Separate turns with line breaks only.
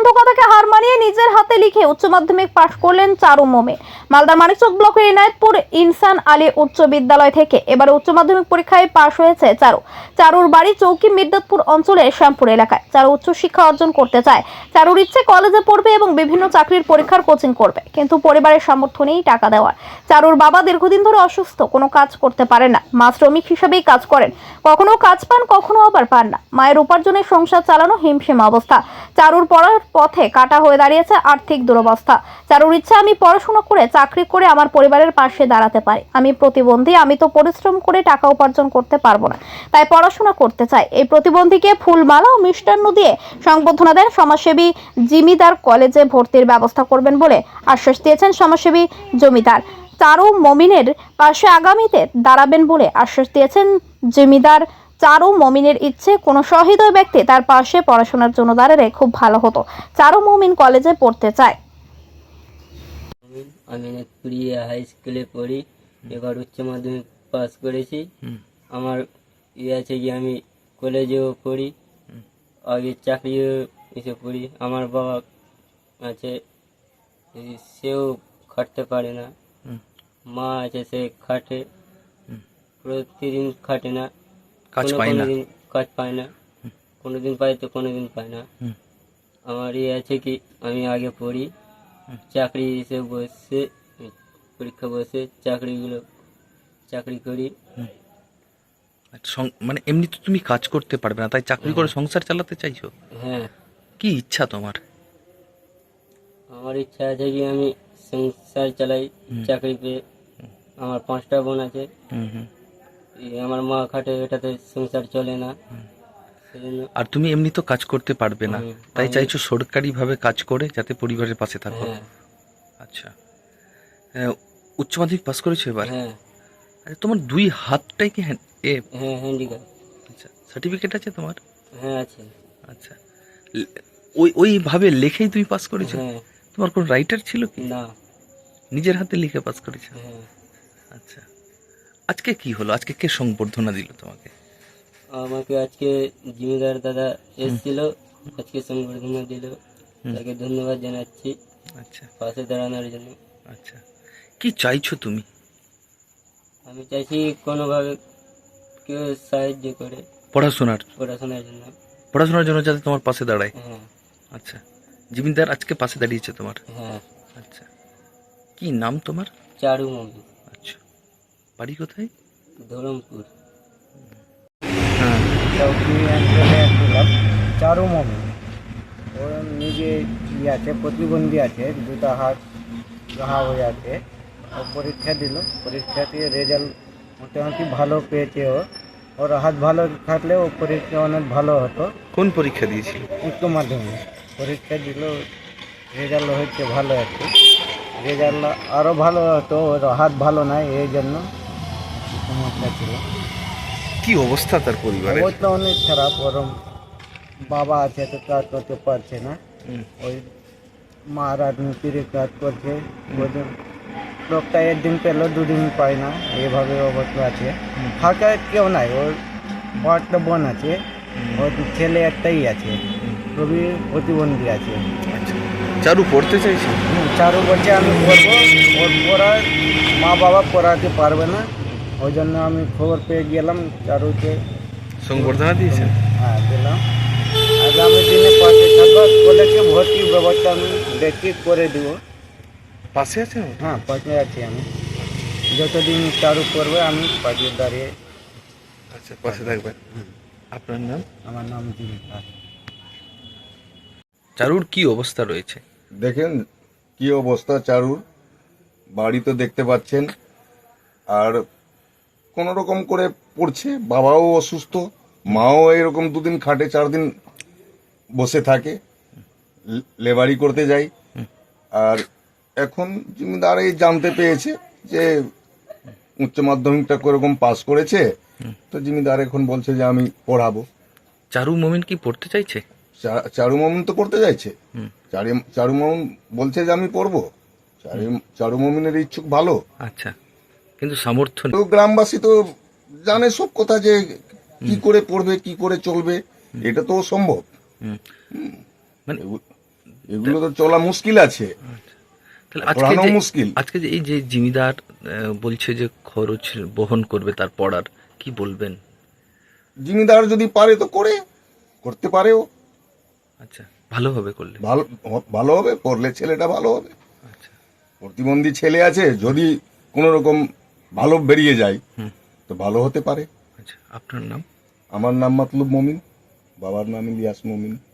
প্রতিবন্ধকতাকে হার মানিয়ে নিজের হাতে লিখে উচ্চ মাধ্যমিক পাশ করলেন চারু মোমিন। মালদার মানিকচক ব্লকের ইনায়েতপুর ইনসান আলী উচ্চ বিদ্যালয় থেকে এবারে উচ্চ মাধ্যমিক পরীক্ষায় পাশ হয়েছে চারুর বাড়ি চৌকি মির্দাতপুর অঞ্চলের শ্যামপুর এলাকায়। চারু উচ্চ শিক্ষা অর্জন করতে চায়। চারুর ইচ্ছে কলেজে পড়বে এবং বিভিন্ন চাকরির পরীক্ষার কোচিং করবে, কিন্তু পরিবারের সামর্থ্য নেই টাকা দেওয়ার। চারুর বাবা দীর্ঘদিন ধরে অসুস্থ, কোনো কাজ করতে পারে না। মা শ্রমিক হিসেবেই কাজ করেন, কখনো কাজ পান কখনো আবার পান না। মায়ের উপার্জনে সংসার চালানো হিমশিম অবস্থা। চারুর পড়ার পথে কাটা হয়ে দাঁড়িয়েছে আর্থিক দুরবস্থা। চারুর ইচ্ছা, আমি পড়াশোনা করে চাকরি করে আমার পরিবারের পাশে দাঁড়াতে পারি। আমি প্রতিবন্ধী, আমি তো পরিশ্রম করে টাকা উপার্জন করতে পারবো না, তাই পড়াশোনা করতে চাই। এই প্রতিবন্ধীকে ফুলমালা ও মিষ্টান্ন দিয়ে সংবর্ধনা দেন সমাজসেবী জিমিদার। কলেজে ভর্তির ব্যবস্থা করবেন বলে আশ্বাস দিয়েছেন সমাজসেবী জমিদার। চারু মমিনের পাশে আগামীতে দাঁড়াবেন বলে আশ্বাস দিয়েছেন জমিদার। চারু মমিনের ইচ্ছে, কোনো সহৃদয় ব্যক্তি তার পাশে পড়াশোনার জন্য দাঁড়ালে খুব ভালো হতো। চারু মমিন কলেজে পড়তে চায়।
আমি পুরিয়া হাই স্কুলে পড়ি, এবার উচ্চ মাধ্যমিক পাস করেছি। আমার ইয়ে আছে কি আমি কলেজেও পড়ি, আগে চাকরিও এসে পড়ি। আমার বাবা আছে, সেও খাটতে পারে না। মা আছে, সে খাটে, প্রতিদিন খাটে না, কোনোদিন কাজ পায় না, কোনোদিন পায় তো কোনোদিন পায় না। আমার ইয়ে আছে কি আমি আগে পড়ি, চাকরি এসে বসে পরীক্ষা বসে চাকরি করি।
মানে এমনি তো তুমি কাজ করতে পারবে না, তাই চাকরি করে সংসার চালাতে চাইছো?
হ্যাঁ,
কি ইচ্ছা তোমার?
আমার ইচ্ছা আছে কি আমি সংসার চালাই চাকরি পেয়ে। আমার 5টা বোন আছে, আমার মা খাটে, এটাতে সংসার চলে না।
আর তুমি এমনি তো কাজ করতে পারবে না, তাই চাইছো সরকারি ভাবে কাজ করে যাতে পরিবারের পাশে থাকো।
হ্যাঁ।
আচ্ছা, উচ্চ মাধ্যমিক পাস করেছো এবার?
হ্যাঁ।
আচ্ছা, তোমার দুই হাতটাই কি
হ্যাঁ, হ্যান্ডিক্যাপ।
আচ্ছা, সার্টিফিকেট আছে তোমার?
হ্যাঁ, আছে।
আচ্ছা, ওইভাবে লেখেই তুমি পাস করেছো?
হ্যাঁ।
তোমার কোন রাইটার ছিল কি?
না।
নিজের হাতে লিখে পাস করেছো?
হ্যাঁ।
আচ্ছা, আজকে কি হলো? আজকে কে সংবর্ধনা দিল তোমাকে?
আমাকে আজকে জিমিদার দাদা এসেছিল, আজকে সংবর্ধনা দিল, তাকে ধন্যবাদ জানাচ্ছি।
আচ্ছা,
পাশে দাঁড়ানোর জন্য।
আচ্ছা, কি চাইছো তুমি?
আমি চাইছি কোনোভাবে কেউ সাহায্য করে
পড়াশোনার জন্য যাতে তোমার পাশে দাঁড়ায়।
হ্যাঁ।
আচ্ছা, জিমিনদার আজকে পাশে দাঁড়িয়েছে তোমার?
হ্যাঁ।
আচ্ছা, কি নাম তোমার?
চারু মমিন।
আচ্ছা, বাড়ি কোথায়?
ধরমপুর।
হ্যাঁ।
চৌকি অঞ্চলে একটি লোক চারু মমিন, ও নিজে আছে, প্রতিবন্ধী আছে, দুটো হাত ঘা হয়ে আছে। ও পরীক্ষা দিল, পরীক্ষা দিয়ে রেজাল্ট মোটামুটি ভালো পেয়েছে। ওর হাত ভালো থাকলে ও পরীক্ষা অনেক ভালো হতো।
কোন পরীক্ষা দিয়েছিল?
উচ্চ মাধ্যমিক পরীক্ষা দিল, রেজাল্ট হচ্ছে ভালো একটু। রেজাল্ট আরও ভালো হতো, ওর হাত ভালো নাই, এই জন্য সমস্যা ছিল।
কি অবস্থা তার পরিবারের?
অবস্থা অনেক খারাপ। ওর বাবা আছে তো কাজ করতে পারছে না, ওই মা রাজনীতির কাজ করছে। লোকটা একদিন পেলো, দুদিন পায় না, এইভাবে অবস্থা আছে। ফাঁকা কেউ নাই, ওর একটা বোন আছে, ওর ছেলে একটাই আছে, খুবই প্রতিবন্ধী আছে।
আচ্ছা, চারু পড়তে চাইছে?
চারু বলছে আমি পড়বো, ওর পড়ার মা বাবা পড়াতে পারবে না, ওই জন্য আমি খবর পেয়ে গেলাম, চারুকে
সংবর্ধনা দিয়েছেন?
হ্যাঁ, দিলাম। আগামী দিনে পাশে থাকবো, কলেজে ভর্তির ব্যবস্থা আমি দেখি করে দিব।
পাশে আছেন?
হ্যাঁ, পাশে আছি আমি, যতদিন চারু করবে আমি পাশে দাঁড়িয়ে।
আচ্ছা, পাশে থাকবেন। আপনার নাম?
আমার নাম জীবিকা।
চারুর কি অবস্থা রয়েছে?
দেখেন কি অবস্থা চারুর, বাড়ি তো দেখতে পাচ্ছেন, আর কোন রকম করে পড়ছে। বাবাও অসুস্থ, মাও এরকম 2 দিন খাটে, 4 দিন বসে থাকে, লেবারি করতে যাই। আর এখন জমিদার এই জানতে পেয়েছে যে উচ্চ মাধ্যমিকটা কোরকম পাস করেছে, তো জমিদার এখন বলছে যে আমি পড়াবো।
চারু মমিন কি পড়তে চাইছে?
চারু মমিন তো পড়তে চাইছে। চারু মমিন বলছে যে আমি পড়বো। চারু মমিনের ইচ্ছুক ভালো।
আচ্ছা, কিন্তু সামর্থ্য
তো গ্রামবাসী তো জানে সব কথা, যে কি করে পড়বে, কি করে চলবে, এটা তো সম্ভব।
মানে
এগুলো তো চলা মুশকিল আছে,
তাহলে আজকে
পড়ানো
যে
মুশকিল।
আজকে যে এই যে জিমিদার বলছে যে খরচ বহন করবে তার পড়ার, কি বলবেন?
জিমিদার যদি পারে তো করতে পারেও,
আচ্ছা, ভালোভাবে করলে।
ভালো ভালো হবে, করলে ছেলেটা ভালো হবে।
আচ্ছা,
প্রতিবন্ধী ছেলে আছে, যদি কোনো রকম ভালো বেরিয়ে যায় তো ভালো হতে পারে।
আচ্ছা, আপনার নাম?
আমার নাম মতলুব মমিন, বাবার নাম ইলিয়াস মমিন।